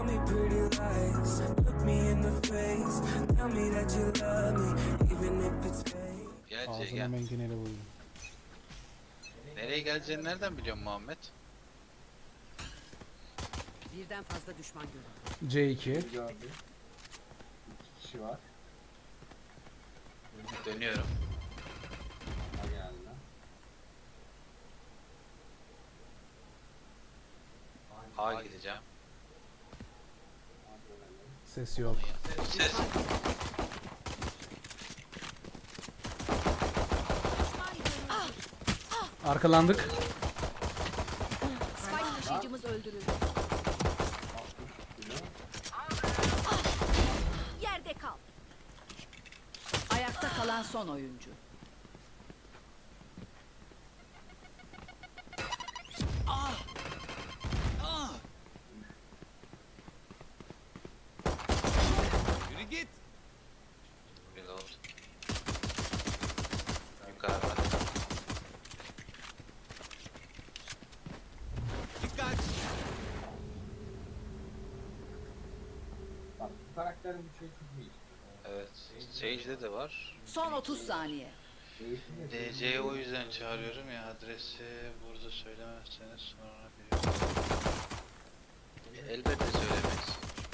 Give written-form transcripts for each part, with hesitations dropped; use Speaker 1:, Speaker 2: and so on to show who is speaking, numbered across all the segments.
Speaker 1: me pretty lies, look me in the face, tell me that you love me, even if it's fake.
Speaker 2: Gel
Speaker 3: Ağzına
Speaker 2: gel.
Speaker 3: mengeneli vurdum.
Speaker 2: Nereye geleceğini nereden biliyorsun Muhammed?
Speaker 4: Birden fazla düşman görüldü.
Speaker 3: C2.
Speaker 5: Gördüm. 2 kişi var.
Speaker 2: Dönüyorum.
Speaker 5: Ha geldi.
Speaker 2: A gideceğim.
Speaker 5: Ha dönelim.
Speaker 3: Ses yok.
Speaker 2: Ses.
Speaker 3: Arkalandık.
Speaker 4: Spike taşıyıcımız öldürüldü.
Speaker 5: 60 kilo.
Speaker 4: Yerde kal. Ayakta kalan son oyuncu.
Speaker 6: Yürü git.
Speaker 2: Reload. Yukarıda.
Speaker 6: Dikkat.
Speaker 5: Bak bu karakterin bir şey çok iyi.
Speaker 2: Evet. Sage'de de var.
Speaker 4: Son 30 saniye.
Speaker 5: Değişim de
Speaker 2: DC'yi o yüzden çağırıyorum ya, adresi burada söylemezseniz sonra biliyorum. Elbette söylemeyiz.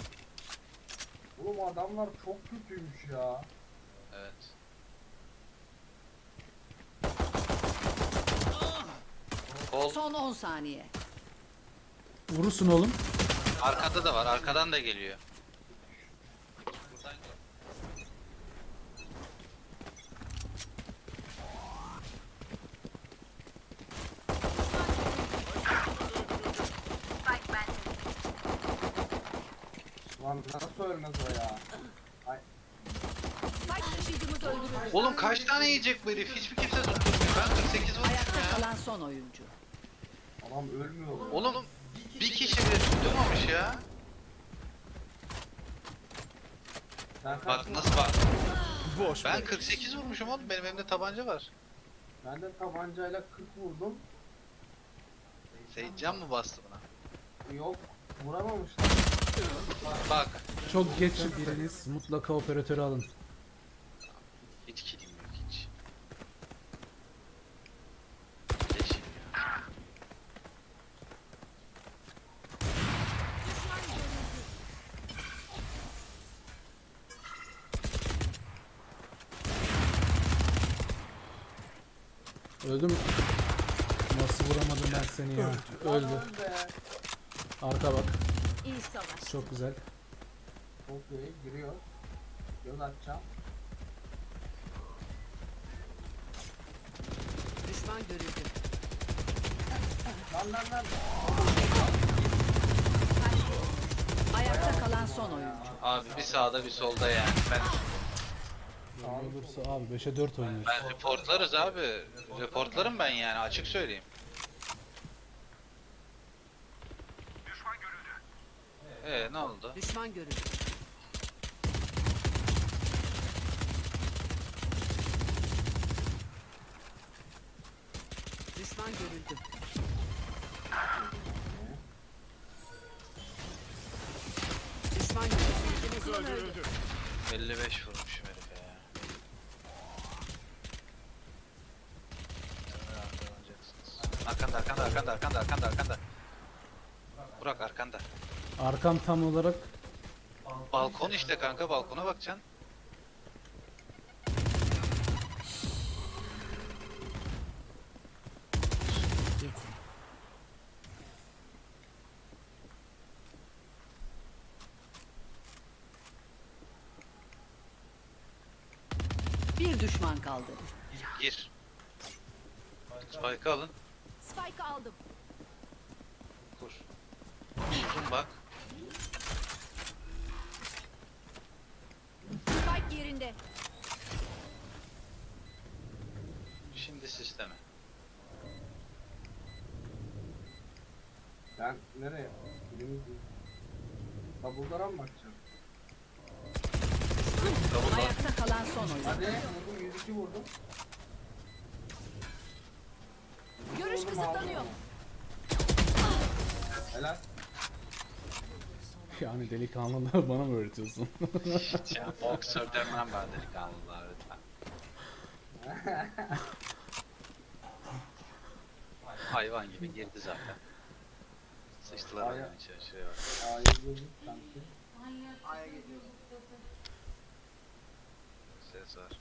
Speaker 5: Oğlum adamlar çok kötüymüş ya.
Speaker 2: Evet. Kol
Speaker 4: Son 10 saniye.
Speaker 3: Vurursun oğlum.
Speaker 2: arkada da var, arkadan da geliyor.
Speaker 5: Lan nasıl ölmez o ya? Ay
Speaker 4: Spike taşıyıcımız öldürüldü.
Speaker 2: Oğlum kaç tane yiyecek bu herif? Hiçbir kimse tutturmuyor. Ben 48 vurmuşum
Speaker 4: Ayakta
Speaker 2: ya.
Speaker 4: kalan son oyuncu.
Speaker 5: adam ölmüyor.
Speaker 2: Oğlum bir kişi bile tutturmamış ya.
Speaker 5: Sen kaç
Speaker 2: Bak
Speaker 5: vurdun?
Speaker 2: nasıl bak.
Speaker 6: Boş
Speaker 2: Ben
Speaker 6: ver.
Speaker 2: 48 vurmuşum oğlum. Benim elimde tabanca var.
Speaker 5: Ben de tabancayla 40 vurdum.
Speaker 2: Seyitcan mı bastı buna?
Speaker 5: Yok vuramamışlar.
Speaker 2: Bak.
Speaker 3: Çok geç biriniz mutlaka operatörü alın.
Speaker 2: Hiç kilim yok hiç. Leşim ya.
Speaker 3: Öldüm. Nasıl vuramadım ben seni ya? Öldü.
Speaker 5: Lan be.
Speaker 3: Arka bak.
Speaker 4: İyi savaş.
Speaker 3: Çok güzel.
Speaker 5: Çok iyi giriyor. Göz atacağım.
Speaker 4: Düşman görüldü.
Speaker 5: Lan.
Speaker 4: Ayakta kalan son oyuncu.
Speaker 2: Abi bir sağda bir solda yani.
Speaker 3: Olursa abi 5'e 4 oynuyoruz.
Speaker 2: Ben reportlarız abi. Reportlarım ben yani, açık söyleyeyim. Ne oldu?
Speaker 4: Düşman görüldü. Düşman görüldü. Düşman görüldü.
Speaker 6: Öldürüldü.
Speaker 2: 55 vurmuşum herife ya. Arkanda. Burak arkanda.
Speaker 3: Arkam tam olarak
Speaker 2: Balkon işte kanka, balkona bakacaksın.
Speaker 4: Bir düşman kaldı.
Speaker 2: Gir. Spike'ı alın.
Speaker 4: Spike aldım.
Speaker 2: Kur. Uzun bak.
Speaker 4: Spike yerinde.
Speaker 2: Şimdi sisteme.
Speaker 5: Ben nereye? Birimiz Double'lara mı bakacağım?
Speaker 2: Double bak.
Speaker 4: Ayakta kalan son oyuncu.
Speaker 5: Hadi vurdum 102 vurdum.
Speaker 4: Görüş
Speaker 5: Vurdum,
Speaker 4: kısıtlanıyor.
Speaker 5: aldım. Helal.
Speaker 3: Yani delikanlılığı bana mı öğretiyorsun?
Speaker 2: Ya boksör demem ben delikanlılar lütfen. Hayvan gibi girdi zaten. Sıçtılar
Speaker 5: Aya-
Speaker 2: oyunun içine şuraya bak.
Speaker 5: A'ya girdik sanki.
Speaker 2: Ses var.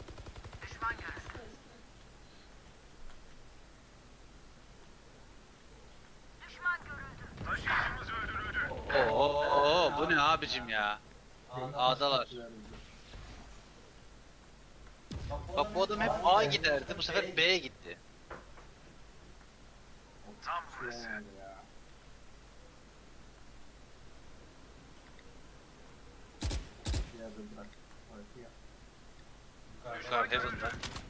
Speaker 2: Oo, bu ne abicim ya? A'dalar. Bak bu adam hep A giderdi, bu sefer B'ye gitti.
Speaker 5: Yani ya. Ya da bırak. Orası ya.
Speaker 2: Yukarı Heaven'da.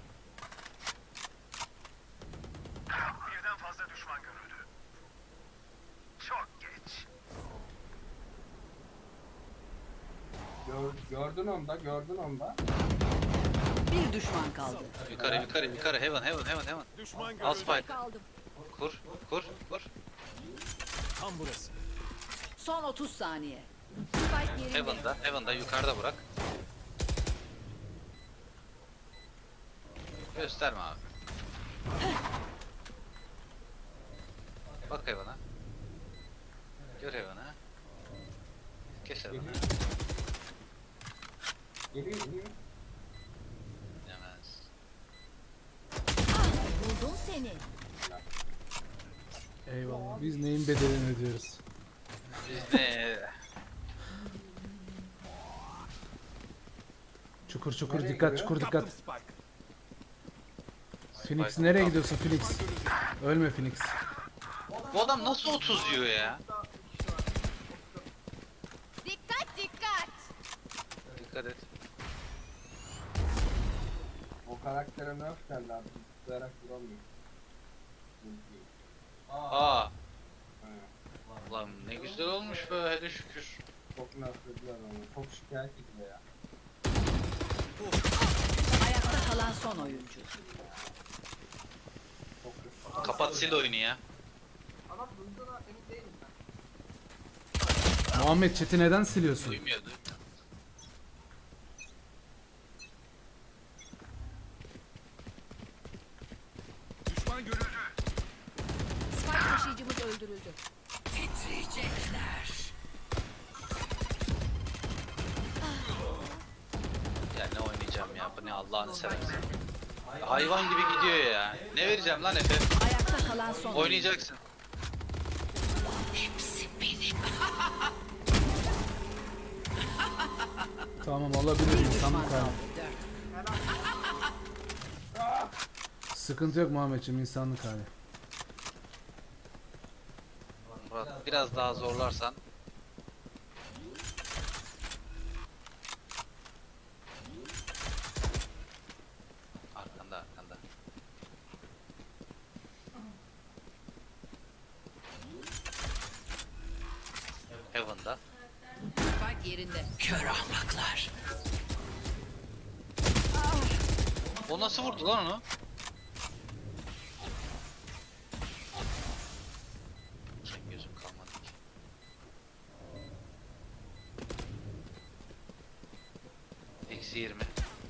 Speaker 5: Gördün onda, gördün onda.
Speaker 4: Bir düşman kaldı.
Speaker 2: Yukarı, Heaven.
Speaker 6: Düşman
Speaker 2: Al
Speaker 6: görüldü.
Speaker 2: spike.
Speaker 4: Spike aldım.
Speaker 2: Kur.
Speaker 6: Tam burası.
Speaker 4: Son 30 saniye. Spike yerinde.
Speaker 2: Heaven'da yukarıda bırak. Gösterme abi. Bak Heaven'a. Gör Heaven'a. Geç Heaven'a.
Speaker 5: Geliyor.
Speaker 2: Yemez.
Speaker 4: Buldum seni.
Speaker 3: Eyvallah. Biz neyin bedelini ödüyoruz?
Speaker 2: Biz ne?
Speaker 3: Çukur
Speaker 5: Nereye
Speaker 3: dikkat,
Speaker 5: gidiyor?
Speaker 3: çukur
Speaker 6: Kaptım
Speaker 3: dikkat.
Speaker 6: Spike.
Speaker 3: Phoenix
Speaker 2: Spike
Speaker 3: nereye
Speaker 2: tam.
Speaker 3: gidiyorsun Phoenix? Ölme Phoenix.
Speaker 2: Bu adam nasıl 30 yiyor ya?
Speaker 4: Dikkat dikkat.
Speaker 2: Dikkat et.
Speaker 5: O karaktere nerf geldi abi. Zıplayarak vuramıyor.
Speaker 2: Aa,
Speaker 5: Ha,
Speaker 2: lan ne güzel olmuş be hele şükür.
Speaker 5: çok nerflediler onu. Çok şikayet ediyor ya.
Speaker 4: Ayakta kalan son oyuncu.
Speaker 5: Çok kötü.
Speaker 2: Kapat sil oyunu ya.
Speaker 3: Muhammed chat'i neden siliyorsun?
Speaker 2: Duymuyor.
Speaker 6: Düşman görüldü.
Speaker 4: Spike taşıyıcımız öldürüldü.
Speaker 2: Ya ne oynayacağım ya bu ne Allah'ını seversen. Hayvan gibi gidiyor ya. Ne vereceğim lan Efe?
Speaker 4: Ayakta kalan son oyuncu.
Speaker 2: Oynayacaksın.
Speaker 3: Tamam olabilir
Speaker 4: Bir
Speaker 3: insanlık
Speaker 4: düşman
Speaker 3: hali.
Speaker 4: kaldı.
Speaker 3: Sıkıntı yok Muhammedciğim insanlık hali.
Speaker 2: Murat biraz daha zorlarsan. Arkanda. Heaven'da.
Speaker 4: Spike yerinde. Kör ahmaklar.
Speaker 2: O nasıl vurdu lan onu? Sen gözüm kalmadı ki. Eksi 20.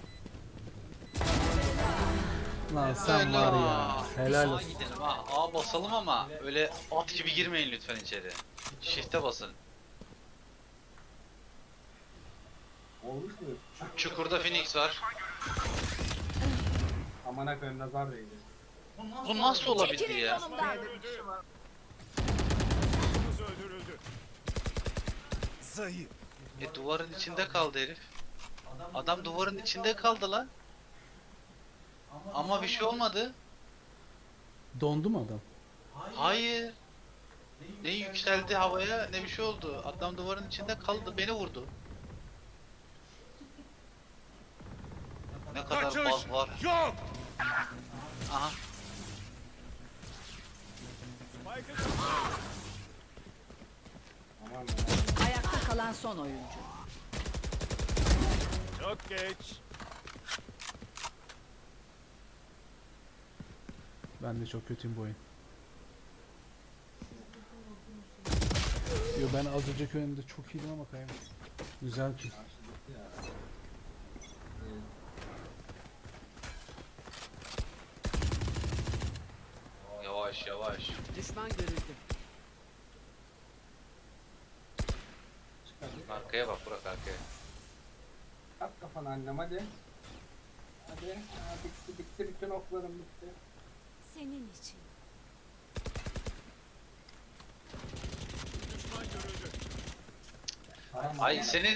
Speaker 3: Lan sen var ya. Helal
Speaker 2: Sağa
Speaker 3: olsun.
Speaker 2: gidelim ha. A basalım ama öyle at gibi girmeyin lütfen içeri. Shift'e basın.
Speaker 5: Olmuş mu?
Speaker 2: Çukurda Phoenix var.
Speaker 5: Amına koyayım nazar değdi.
Speaker 2: Bu nasıl olabildi ya?
Speaker 6: Düşmanımız öldürüldü. Zayıf.
Speaker 2: Duvarın içinde kaldı herif. Adam duvarın içinde kaldı lan. Ama bir şey olmadı.
Speaker 3: Dondu mu adam?
Speaker 2: Hayır. Ne yükseldi havaya ne bir şey oldu. Adam duvarın içinde kaldı beni vurdu. Ne kadar
Speaker 6: Kaçış
Speaker 2: baz var.
Speaker 6: yok.
Speaker 2: Aha.
Speaker 6: Spike'ı
Speaker 5: Aman
Speaker 4: Ayakta kalan son oyuncu.
Speaker 6: çok geç.
Speaker 3: Ben de çok kötüyüm bu oyun. Yo, ben az önceki önünde çok iyiydim ama kayım. Güzel ki.
Speaker 5: Karşılıklı ya. Evet.
Speaker 2: Yavaş yavaş.
Speaker 4: Düşman görüldü.
Speaker 5: Çıkardık.
Speaker 2: Arkaya bak Burak arkaya.
Speaker 5: At kafanı annem hadi. Hadi. Ha, bitti bitti bütün oklarım bitti.
Speaker 7: Senin için.
Speaker 6: Düşman görüldü.
Speaker 5: Param
Speaker 2: Ay
Speaker 5: var.
Speaker 2: senin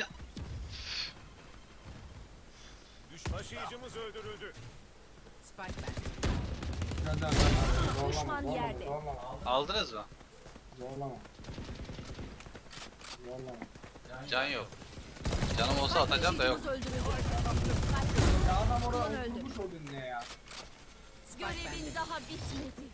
Speaker 6: Taşıyıcımız öldürüldü.
Speaker 4: Spike ben.
Speaker 5: Gönder, gönder. Zorlama,
Speaker 7: Düşman
Speaker 5: zorlama,
Speaker 7: yerde.
Speaker 5: Zorlama.
Speaker 2: aldınız mı?
Speaker 5: Zorlama. Zorlama.
Speaker 2: Can yok. Canım olsa atacağım da yok.
Speaker 4: Taşıyıcımız öldürüldü.
Speaker 5: Ya adam orada
Speaker 4: Ulan öldü.
Speaker 5: oturmuş o dinle ya.
Speaker 4: Spike bende.
Speaker 7: Görevin daha bitmedi.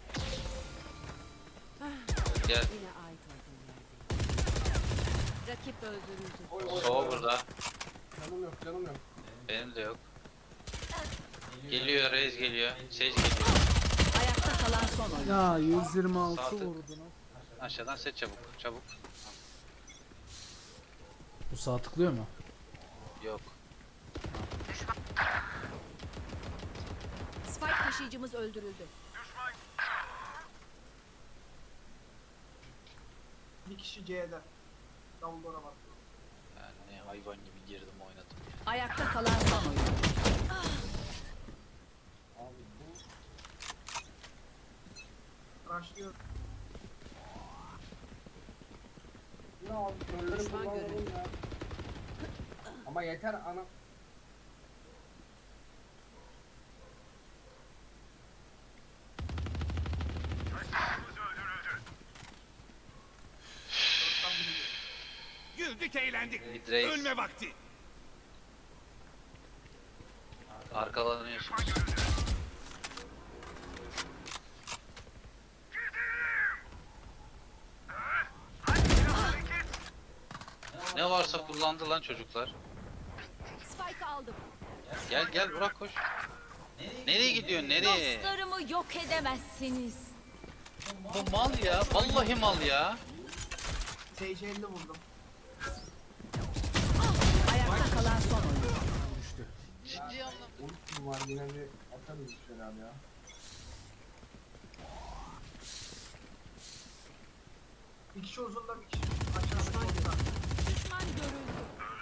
Speaker 2: Gel.
Speaker 4: Yine ait olduğum yerde. Rakip öldürüldü.
Speaker 5: Oy, oy,
Speaker 2: Soğuk
Speaker 5: oy.
Speaker 2: burada.
Speaker 5: Canım yok canım yok.
Speaker 2: Benim de yok. Geliyor Reis geliyor. Sage geliyor.
Speaker 4: Ayakta kalan son oyuncu.
Speaker 3: Ya 126
Speaker 2: Saati-
Speaker 3: vurdu lan.
Speaker 2: Aşağıdan set çabuk. Çabuk.
Speaker 3: Bu sağ tıklıyor mu?
Speaker 2: Yok.
Speaker 4: Spike taşıyıcımız öldürüldü.
Speaker 8: Bir kişi C'de. Davullara bak.
Speaker 2: Yani hayvan gibi girdim oynadım.
Speaker 4: Ayakta kalan son oyuncu.
Speaker 5: Abi bu
Speaker 8: Rushlıyor.
Speaker 5: ne abi körleri
Speaker 4: Düşman
Speaker 5: kullanalım
Speaker 4: görüldü.
Speaker 5: ya. Ama yeter ana.
Speaker 6: Güldük eğlendik.
Speaker 2: Mid Reis.
Speaker 6: Ölme vakti.
Speaker 2: Arkalanıyorsunuz. Ne varsa kullandı lan çocuklar.
Speaker 7: Spike aldım.
Speaker 2: Gel gel Burak koş. Nereye gidiyorsun nereye?
Speaker 7: Dostlarımı yok edemezsiniz.
Speaker 2: Bu mal ya. Vallahi mal ya.
Speaker 8: Sage 50 vurdum.
Speaker 4: Ayakta kalan son oyuncu.
Speaker 3: Düştü.
Speaker 2: Ciddi anlamda.
Speaker 5: Ultim var yine bir atarız bir şeyler ya.
Speaker 8: Bir kişi uzunda bir kişi aşağıda solda.
Speaker 7: Düşman görüldü.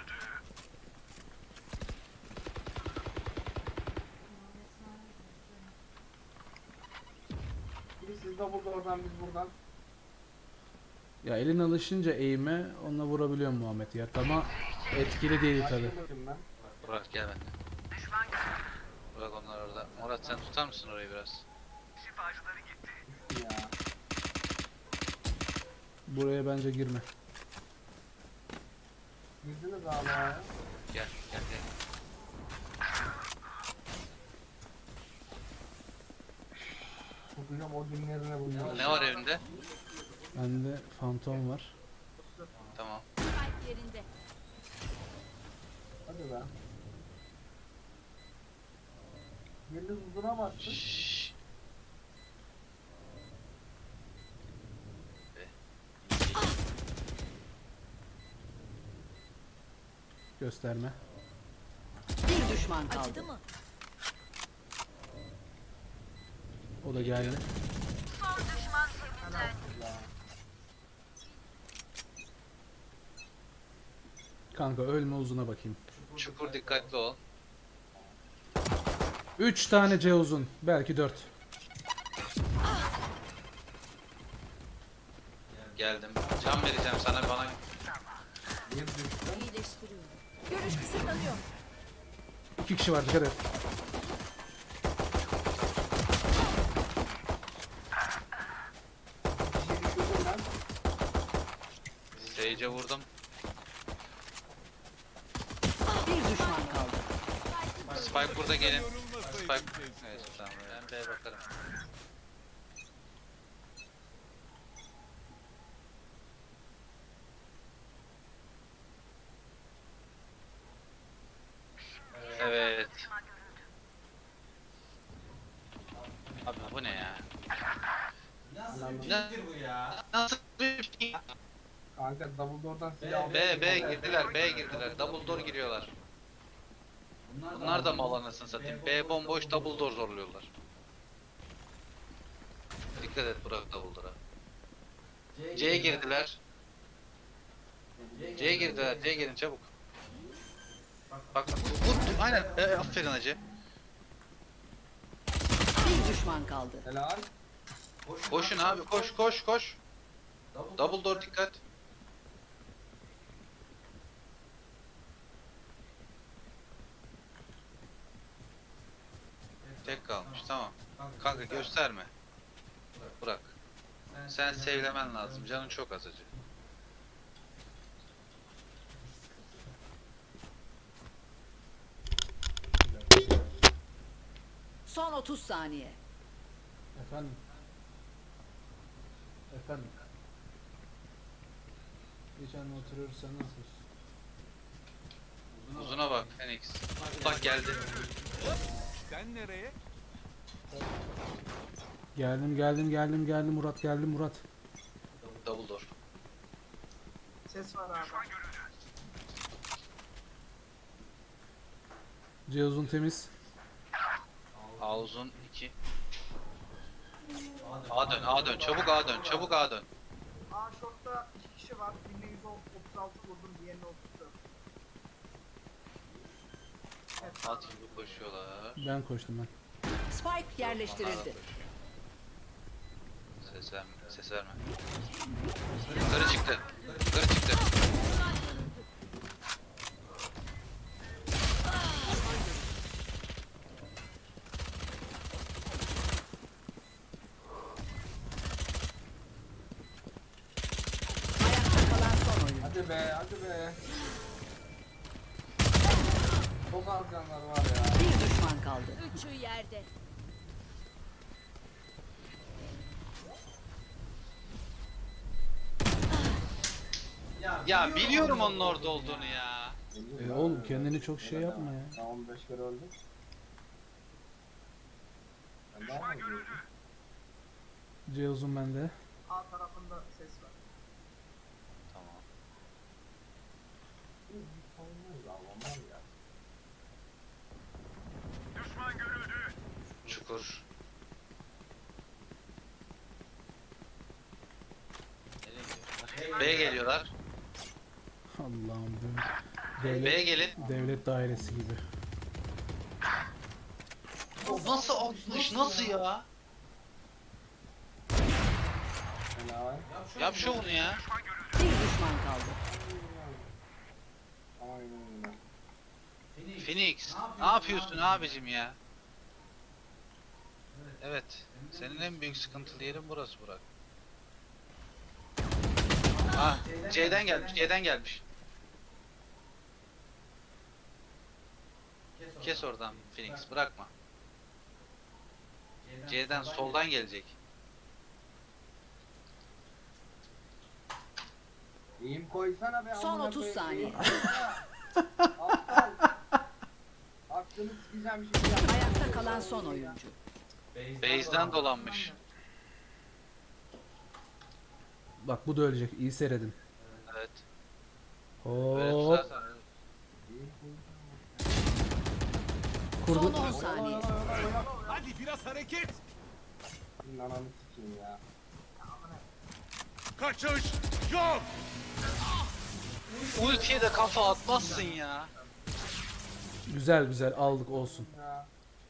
Speaker 5: Biri siz de burada oradan biz buradan.
Speaker 3: Ya elin alışınca eğime onunla vurabiliyorum Muhammed ya. Ama etkili değil tabi.
Speaker 5: Başladım ben.
Speaker 2: Burak gel benden. Burak onlar orada. Murat sen tutar mısın orayı biraz?
Speaker 5: Düştü ya.
Speaker 3: Buraya bence girme.
Speaker 5: Girdiniz abi ya.
Speaker 2: Gel gel gel.
Speaker 5: Tutacağım o dinlerine bunu.
Speaker 2: Ne var evinde?
Speaker 3: Bende fantom var.
Speaker 2: Tamam.
Speaker 7: Spike yerinde.
Speaker 5: Hadi be. Yıldız uzuna bastı.
Speaker 2: Şşş.
Speaker 3: Gösterme.
Speaker 4: Bir düşman kaldı.
Speaker 7: Acıdı mı?
Speaker 3: O da geldi.
Speaker 5: Ya.
Speaker 3: Kanka ölme uzuna bakayım.
Speaker 2: Çukur dikkatli ol.
Speaker 3: 3 tane C uzun. Belki 4.
Speaker 2: Geldim. Can vereceğim sana bana.
Speaker 5: Bir düştü.
Speaker 7: İyileştiriyorum. Görüş kısıtlanıyor.
Speaker 3: 2 kişi var dikkat et.
Speaker 5: Bir düşürdüm ben.
Speaker 2: Sage'e vurdum.
Speaker 4: Bir düşman kaldı.
Speaker 2: Spike burada gelin.
Speaker 6: Yorulmasaydı
Speaker 2: Spike.
Speaker 6: keşke.
Speaker 2: Evet tamam. Ben B'ye bakarım. Evet. Abi bu ne ya? Nasıl bir bu ya? Nasıl bir şey?
Speaker 5: Kanka Dumbledore'dan silah aldım.
Speaker 2: B girdiler, B girdiler. Double door giriyorlar. Bunlar da mal anasını satayım. B bomboş, double door zorluyorlar. Dikkat et Burak double door'a. C'ye girdiler. C'ye girdiler, C'ye gelin çabuk. Bak, vur, aynen, aferin hacı.
Speaker 4: Bir düşman kaldı.
Speaker 5: Helal.
Speaker 2: Koşun abi, koş. Double door dikkat. Tek kalmış, tamam. Kanka gösterme. Bırak. Sen sevlemen lazım, canın çok az acı.
Speaker 4: Son 30 saniye.
Speaker 3: Efendim. Efendim. Geçen oturuyoruz, sen nasılsın?
Speaker 2: Uzuna bak Phoenix. Bak geldi.
Speaker 6: Sen nereye?
Speaker 3: Geldim Murat, geldim Murat.
Speaker 2: Double door.
Speaker 8: Ses var abi.
Speaker 3: C uzun temiz.
Speaker 2: A uzun 2. A dön, çabuk A dön, çabuk A dön.
Speaker 8: A short'ta 2 kişi var. Birine 136 vurdum, diğerine 34. Evet,
Speaker 2: At gibi koşuyorlar.
Speaker 3: Ben koştum ben.
Speaker 4: Spike yerleştirildi.
Speaker 2: Ses verme. Yukarı çıktı.
Speaker 4: Ayakta kalan son oyun.
Speaker 5: Hadi be. Çok az canlar var ya.
Speaker 4: Bir düşman kaldı.
Speaker 7: Üçü yerde.
Speaker 2: Ya biliyorum onun orada olduğunu ya.
Speaker 3: Oğlum kendini çok şey yapma ya.
Speaker 5: Ben 15 kere öldüm. Ben daha mı öldüm?
Speaker 3: C uzun bende.
Speaker 8: A tarafında ses var.
Speaker 2: Tamam.
Speaker 5: Olmaz ya, olmaz ya.
Speaker 6: Düşman görüldü.
Speaker 2: Çukur. Nereye gidiyorlar? B geliyorlar.
Speaker 3: Allah'ım bu
Speaker 2: B
Speaker 3: devlet,
Speaker 2: gelin.
Speaker 3: devlet dairesi gibi.
Speaker 2: Nasıl 60? Nasıl ya?
Speaker 5: Helal.
Speaker 2: Yap şovunu ya.
Speaker 4: Bir düşman kaldı.
Speaker 5: Aynen öyle.
Speaker 2: Phoenix, ne yapıyorsun abicim ya? Evet, senin en büyük sıkıntılı yerin burası Burak. Ah, C'den gelmiş. Kes oradan Phoenix, bırakma. C'den soldan gelecek.
Speaker 5: İyiyim koysana be.
Speaker 4: Son
Speaker 5: amına
Speaker 4: 30
Speaker 5: koyayım,
Speaker 4: saniye.
Speaker 5: eğim koysana. Aptal. Hakkını sikeceğim şimdi ya.
Speaker 4: Ayakta kalan son oyuncu.
Speaker 2: Base'den dolanmış.
Speaker 3: Bak bu da ölecek. İyi seyredin.
Speaker 2: Evet. Böyle
Speaker 3: Hop.
Speaker 2: tutarsan
Speaker 5: İyiyim
Speaker 4: Son
Speaker 3: Kurdu.
Speaker 4: 10 saniye.
Speaker 6: Hadi biraz hareket.
Speaker 5: koysana. Ananı sikeyim ya.
Speaker 6: Kaçış yok.
Speaker 2: ultiye de kafa atmazsın ya.
Speaker 3: Güzel aldık olsun.
Speaker 5: Ya.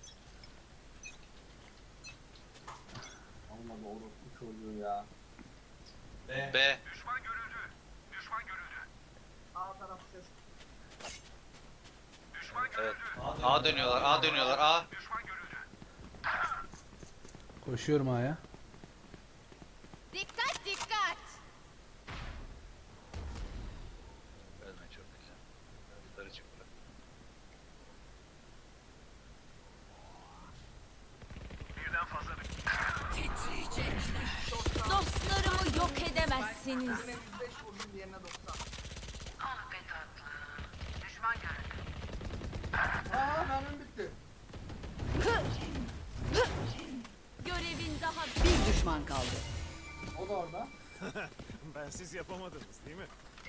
Speaker 5: Olmadı orospu çocuğu ya.
Speaker 2: B.
Speaker 6: Düşman görüldü.
Speaker 8: A tarafı ses.
Speaker 2: Evet. A dönüyorlar. A.
Speaker 3: Koşuyorum A'ya.
Speaker 7: Dikkat.
Speaker 2: Ölme çok güzel. Yukarı çık Burak.
Speaker 6: Birden fazla
Speaker 7: Dostlarımı yok edemezsiniz.
Speaker 8: Birine 105 vurdum, diğerine 90.
Speaker 5: Aa mermim bitti.
Speaker 7: Görevin daha
Speaker 4: Bir düşman kaldı.
Speaker 5: O da orada.
Speaker 6: Ben siz yapamadınız değil mi?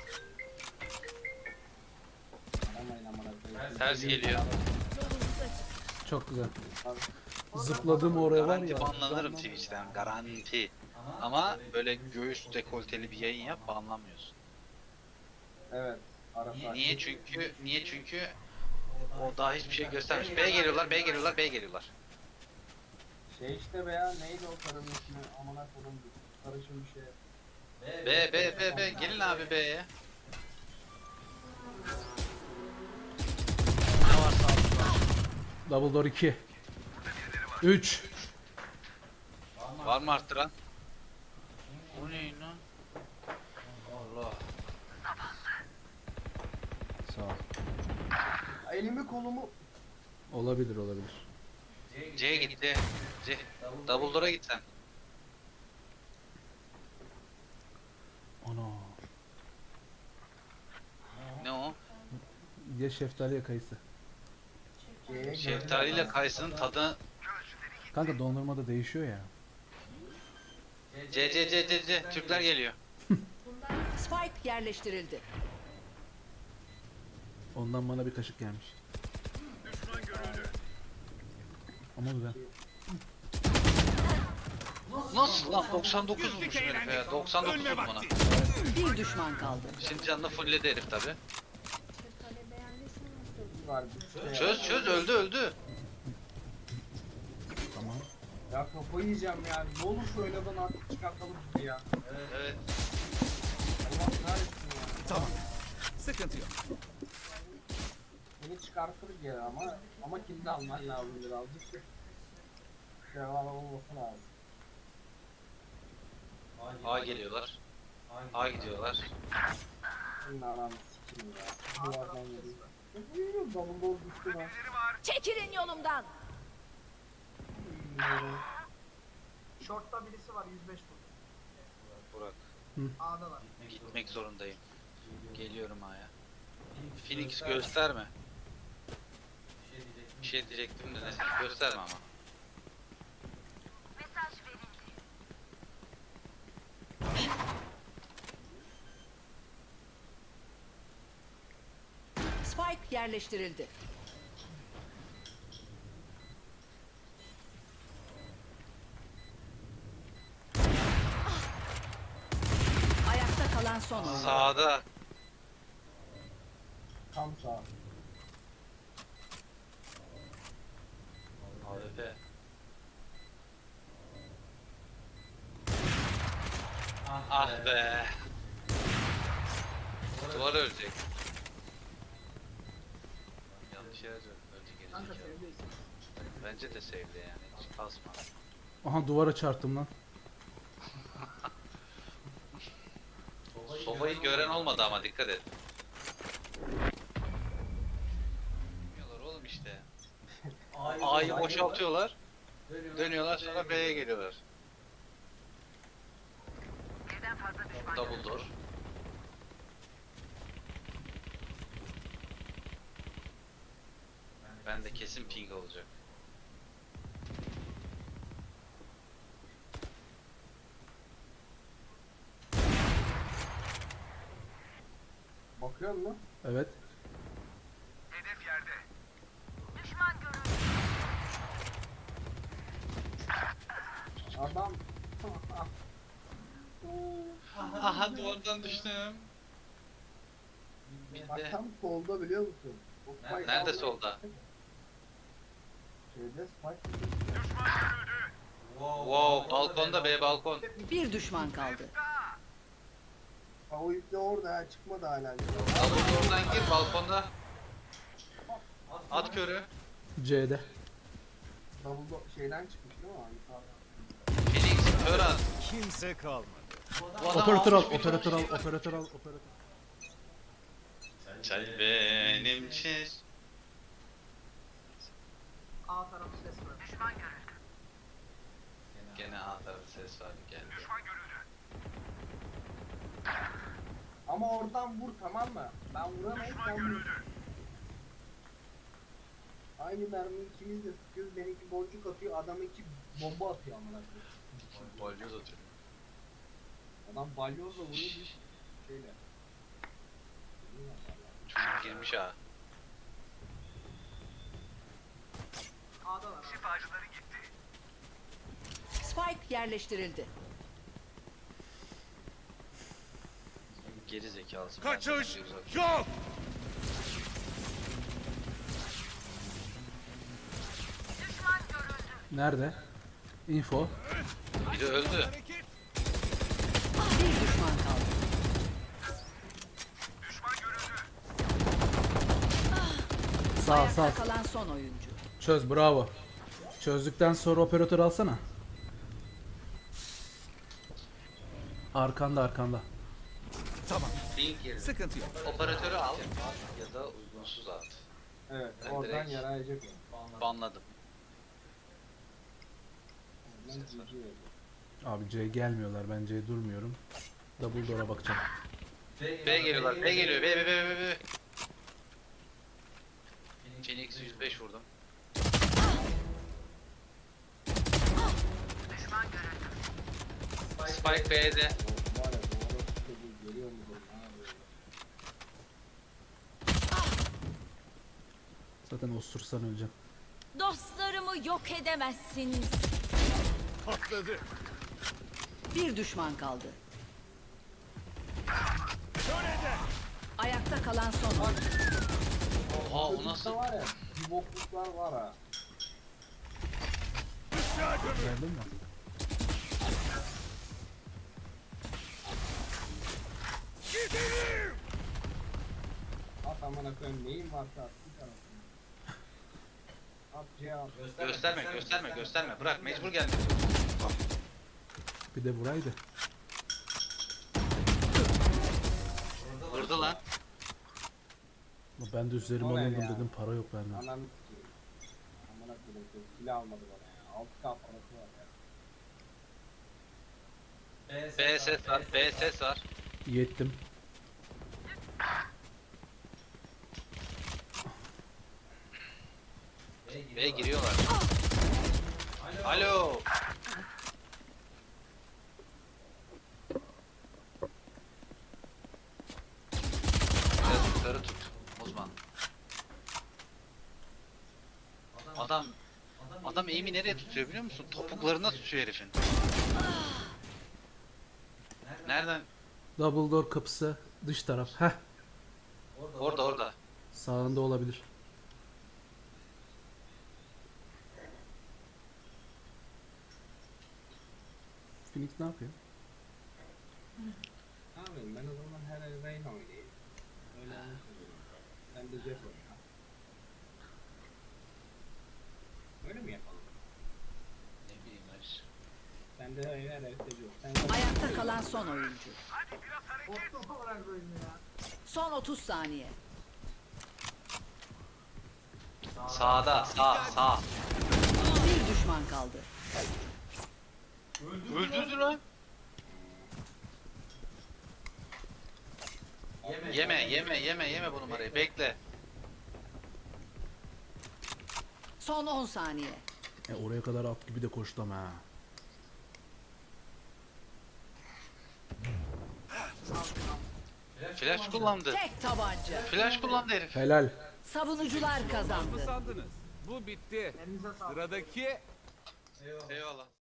Speaker 5: Aramayın amına koyayım.
Speaker 2: Ters geliyor.
Speaker 3: Çok güzel.
Speaker 5: Abi,
Speaker 3: Zıpladım oraya var
Speaker 2: Garanti
Speaker 3: ya.
Speaker 2: banlanırım Twitch'ten. Garanti. Ama böyle göğüs dekolteli bir yayın yap banlanmıyorsun.
Speaker 5: Evet. Ara saat.
Speaker 2: Niye çünkü o daha hiçbir şey göstermiş. B geliyorlar, B geliyorlar, B geliyorlar.
Speaker 5: Şey işte be ya, neydi o karının ismi? Amına koyayım. Karışım bir şey.
Speaker 2: B. Gelin abi B'ye. Ne varsa aldılar.
Speaker 3: Double door 2. 3.
Speaker 2: Var mı arttıran? O ne lan? Allah.
Speaker 3: Sağ ol.
Speaker 5: Elimi kolumu
Speaker 3: Olabilir olabilir.
Speaker 2: C gitti. C. Double door'a git sen.
Speaker 3: Ana.
Speaker 2: Ne o?
Speaker 3: Ya şeftali ya kayısı.
Speaker 5: C'ye
Speaker 2: Şeftaliyle kayısının tadı.
Speaker 3: Kanka dondurmada değişiyor ya.
Speaker 2: C. Türkler geliyor.
Speaker 4: Spike yerleştirildi.
Speaker 3: Ondan bana bir kaşık gelmiş.
Speaker 6: Düşman görüldü.
Speaker 3: Ama güzel.
Speaker 2: Nasıl lan? 99 vurmuş herif ya. 99
Speaker 6: Ölme
Speaker 2: vurdum ona.
Speaker 6: vakti.
Speaker 4: Bir düşman kaldı.
Speaker 2: Şimdi canını fullledi herif tabi.
Speaker 5: var. Bir şey
Speaker 2: Çöz öldü.
Speaker 3: Tamam.
Speaker 5: Ya kafayı yiyeceğim ya. Ne olur şu oynadan artık çıkartalım bizi ya.
Speaker 2: Evet.
Speaker 5: Allah kahretsin ya.
Speaker 6: Tamam. Sıkıntı yok.
Speaker 5: Beni çıkartırız ya ama kilidi alman lazım birazcık. Devam olması lazım.
Speaker 2: A geliyorlar. A gidiyorlar.
Speaker 5: Senin ananı sikeyim ya. Bu adam geliyor. Double door düştü lan.
Speaker 7: Çekilin yolumdan.
Speaker 8: Short'ta birisi var 105 vurdu.
Speaker 2: Burak.
Speaker 8: A'dalar.
Speaker 2: Gitmek zorundayım. Geliyorum A'ya. Phoenix gösterme. Bir şey diyecektim de neyse gösterme ama.
Speaker 4: Spike yerleştirildi. Ayakta kalan son oyuncu.
Speaker 2: Sağda.
Speaker 5: Tam sağ.
Speaker 2: AWP. Ah be. Duvar ölecek. Yanlış yere ölecek
Speaker 8: Kanka
Speaker 2: gelecek.
Speaker 8: sevdeyiz.
Speaker 2: Bence de sevdi yani. Hiç kasma.
Speaker 3: Aha duvara çarptım lan.
Speaker 2: Sovayı gören olmadı ama dikkat et. Bilmiyorlar oğlum işte. A'yı boşaltıyorlar. Dönüyorlar sonra B'ye geliyorlar. Double door. Ben de kesin ping olacak.
Speaker 5: Bakıyor musun?
Speaker 3: Evet.
Speaker 6: Hedef yerde.
Speaker 5: Adam.
Speaker 2: Aha duvardan düştüm. Bir
Speaker 5: Bak
Speaker 2: de
Speaker 5: tam solda biliyor musun? O spike
Speaker 2: nerede
Speaker 5: aldı.
Speaker 2: solda?
Speaker 5: Şeyde spike.
Speaker 6: Düşman görüldü.
Speaker 2: Wow, balkonda B balkon.
Speaker 4: Bir düşman kaldı.
Speaker 5: Ha o ip de orada ha çıkmadı hala.
Speaker 2: Double door'dan gir balkonda. At körü.
Speaker 3: C'de.
Speaker 5: Şeyden çıkmış değil mi o yukarıdan?
Speaker 2: Phoenix kör at.
Speaker 6: Kimse kalmadı.
Speaker 2: Bu adam
Speaker 3: Operatör al,
Speaker 2: almış bir
Speaker 3: operatör al,
Speaker 2: ton şey.
Speaker 3: operatör al, operatör.
Speaker 2: Çay benim için.
Speaker 8: A tarafı ses var.
Speaker 2: Gene A tarafı ses vardı geldi.
Speaker 5: Ama oradan vur tamam mı? Ben vuramayıp sen vur. Aynı mermiyi ikimiz de sıkıyoruz. Benimki boncuk atıyor, adam iki bomba atıyor amına koyayım.
Speaker 2: Bolcu atıyor.
Speaker 5: Adam balyozla vuruyor bir şeyle.
Speaker 2: Çocuk girmiş ha.
Speaker 8: A'dalar abi.
Speaker 6: Şifacıları gitti.
Speaker 4: Spike yerleştirildi.
Speaker 2: Geri zekalısın.
Speaker 6: Kaçış yok.
Speaker 3: Nerede? Info.
Speaker 2: Biri öldü.
Speaker 6: Hareket.
Speaker 4: Bir düşman kaldı.
Speaker 6: Düşman görüldü.
Speaker 3: Sağ
Speaker 4: Ayakta
Speaker 3: sağ.
Speaker 4: kalan son oyuncu.
Speaker 3: Çöz, bravo. Çözdükten sonra operatör alsana. Arkanda arkanda.
Speaker 6: Tamam.
Speaker 2: Link yerine.
Speaker 6: Sıkıntı yok.
Speaker 2: Operatörü al ya da uygunsuz at.
Speaker 5: Evet,
Speaker 2: Ben
Speaker 5: oradan
Speaker 2: direkt-
Speaker 5: yarayacak o.
Speaker 2: Banladım.
Speaker 5: Oradan GG yazıyor.
Speaker 3: Abi C gelmiyorlar, ben C durmuyorum. Double door'a bakacağım.
Speaker 2: B geliyorlar. B geliyor. B. Phoenix 105 vurdum. Spike B'de.
Speaker 5: O var ya, bu arada çocuğu geliyor mu bu? Ha, böyle.
Speaker 3: Zaten osursan öleceğim.
Speaker 7: Dostlarımı yok edemezsiniz.
Speaker 6: Patladı.
Speaker 4: Bir düşman kaldı.
Speaker 6: Şöyle
Speaker 4: Ayakta kalan son oyuncu.
Speaker 2: Oha o
Speaker 5: Çocukta
Speaker 2: nasıl?
Speaker 5: var ya, bir bokluklar var ha.
Speaker 3: Geldin mi?
Speaker 6: gidelim.
Speaker 5: At amına koyayım, neyin varsa at bir tarafına. At C at.
Speaker 2: Gösterme. Bırak mecbur geldi.
Speaker 3: Bir de buraydı.
Speaker 2: Vurdu lan.
Speaker 3: Ben de üzerime
Speaker 5: O ne
Speaker 3: alayım
Speaker 5: ya?
Speaker 3: dedim, para yok bende.
Speaker 5: Ananı sikeyim. Amına koyayım, silah almadı bana ya. 6K parası var ya.
Speaker 2: B ses var. B ses var.
Speaker 3: Yettim.
Speaker 2: B giriyorlar. Alo. Biraz yukarı tut Osman. Adam eğimi nereye tutuyor biliyor musun? Topuklarına tutuyor herifin. Nereden?
Speaker 3: Double door kapısı dış taraf. Heh.
Speaker 2: Orada.
Speaker 3: Sağında olabilir. Phoenix ne yapıyor?
Speaker 5: Ne yapayım, ben o zaman her el Reyna oynayayım. Öyle anlaşılıyor. Sen de Jet oyna. Öyle mi yapalım?
Speaker 2: Ne bileyim Barış.
Speaker 5: Sen de her el seviyorsun. Sen de...
Speaker 4: Ayakta kalan son oyuncu.
Speaker 8: Botlu olarak böyle ya.
Speaker 4: Son 30 saniye.
Speaker 2: Sağda. Sağ.
Speaker 4: Bir düşman kaldı.
Speaker 2: Öldürdü lan. Yeme bu numarayı. Bekle.
Speaker 4: Son 10 saniye.
Speaker 3: Oraya kadar at gibi de koştum ha.
Speaker 2: Flash kullandı.
Speaker 4: Tek tabanca.
Speaker 2: Flash kullandı herif.
Speaker 3: Helal.
Speaker 4: Savunucular
Speaker 6: Mı
Speaker 4: kazandı.
Speaker 6: sandınız? Bu bitti.
Speaker 8: Elinize sağlık.
Speaker 6: Sıradaki
Speaker 2: Eyvallah.